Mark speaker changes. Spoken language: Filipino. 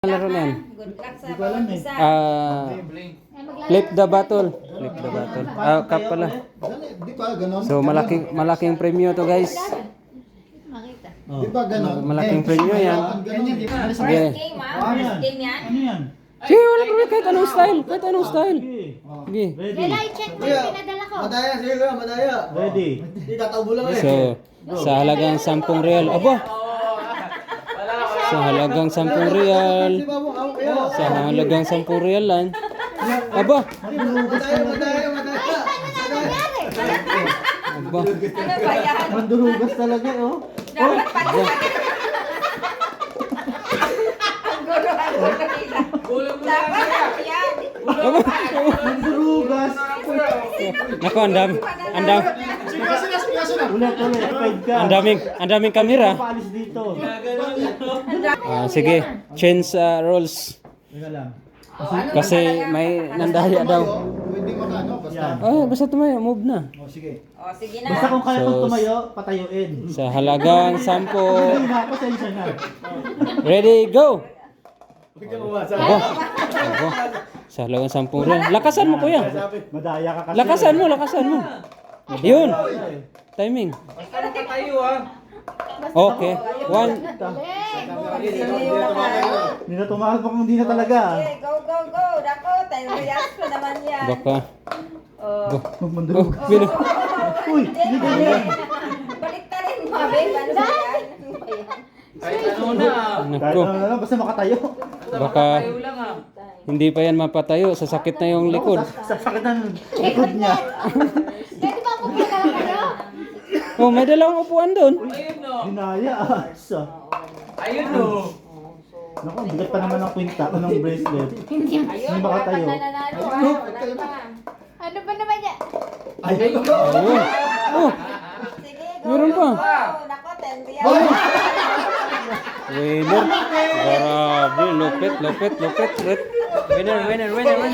Speaker 1: Laro na yan.
Speaker 2: Good luck sa bawat isa.
Speaker 1: Flip the battle. Flip the battle. Cup pala.
Speaker 3: Di ba ganon?
Speaker 1: So malaking premyo to guys.
Speaker 2: Makita.
Speaker 3: Di ba ganon?
Speaker 1: Malaking premyo yan.
Speaker 2: First
Speaker 1: Sige.
Speaker 2: game First game yan.
Speaker 4: Ano yan?
Speaker 1: Sige, wala problema kahit anong style. Kahit anong style. Sige.
Speaker 4: Ready?
Speaker 2: Lela, i-check mo yung pinadala ko.
Speaker 3: Madaya, sige kuya, madaya.
Speaker 4: Ready?
Speaker 3: Di tataubo lang eh.
Speaker 1: So, sa halagang 10 real. Aba! Sa halagang 10 real.
Speaker 3: Si Babong, ako kuya.
Speaker 1: Sa halagang 10 real lang. Aba!
Speaker 3: Madaya.
Speaker 1: Aba!
Speaker 2: Ano ba yan?
Speaker 4: Mandurugas talaga, oh.
Speaker 2: Dapat pala. Ang gulo nila. Dapat yan.
Speaker 4: Mandurugas!
Speaker 1: Nako, ang dami.
Speaker 4: Ulit, paid ka.
Speaker 1: Ang daming kamera.
Speaker 4: Paalis dito.
Speaker 1: Sige, change roles.
Speaker 4: Teka lang.
Speaker 1: Kasi may nandaya daw.
Speaker 3: Pwede makano, basta.
Speaker 1: Basta tumayo, move na.
Speaker 4: O, sige.
Speaker 2: O, sige na.
Speaker 4: Basta kung kaya
Speaker 1: So,
Speaker 4: kong tumayo, patayuin.
Speaker 1: Sa halagang 10.
Speaker 4: Hindi na, pasensya na.
Speaker 1: Ready, go! Aba! Aba! Sa halagang 10 real. Lakasan mo, kuya.
Speaker 4: Madaya ka kasi.
Speaker 1: Lakasan mo. Yun. Timing. Okay. One.
Speaker 4: Hindi na tumahal pa kung hindi na talaga.
Speaker 2: Okay, go. Dako, tayo react ko naman yan.
Speaker 1: Baka.
Speaker 2: Oh.
Speaker 4: Magmandurugas.
Speaker 1: Bilo.
Speaker 4: Uy, hindi ka yan.
Speaker 2: Balik ta rin mo, babe. Ano ba yan? Ano ba yan?
Speaker 4: Kahit
Speaker 1: Naku.
Speaker 4: ano na lang, basta makatayo.
Speaker 1: Baka hindi pa yan mapatayo. Sasakit na yung likod.
Speaker 4: Sa sakit ng likod niya.
Speaker 2: Pwede ba po pagkala kayo?
Speaker 1: Oh, may dalawang upuan doon.
Speaker 4: Dinaya. Ayun o. Naku, ang bigat pa naman ng kwinta o ng bracelet.
Speaker 2: Ayun,
Speaker 4: Hindi ba katayo?
Speaker 2: nananalo. Ano ba naman yan?
Speaker 1: Ayun. Oh,
Speaker 2: Sige, go.
Speaker 1: Meron pa.
Speaker 2: Nako, 10 real.
Speaker 1: winner. Grabe, lupit. Winner.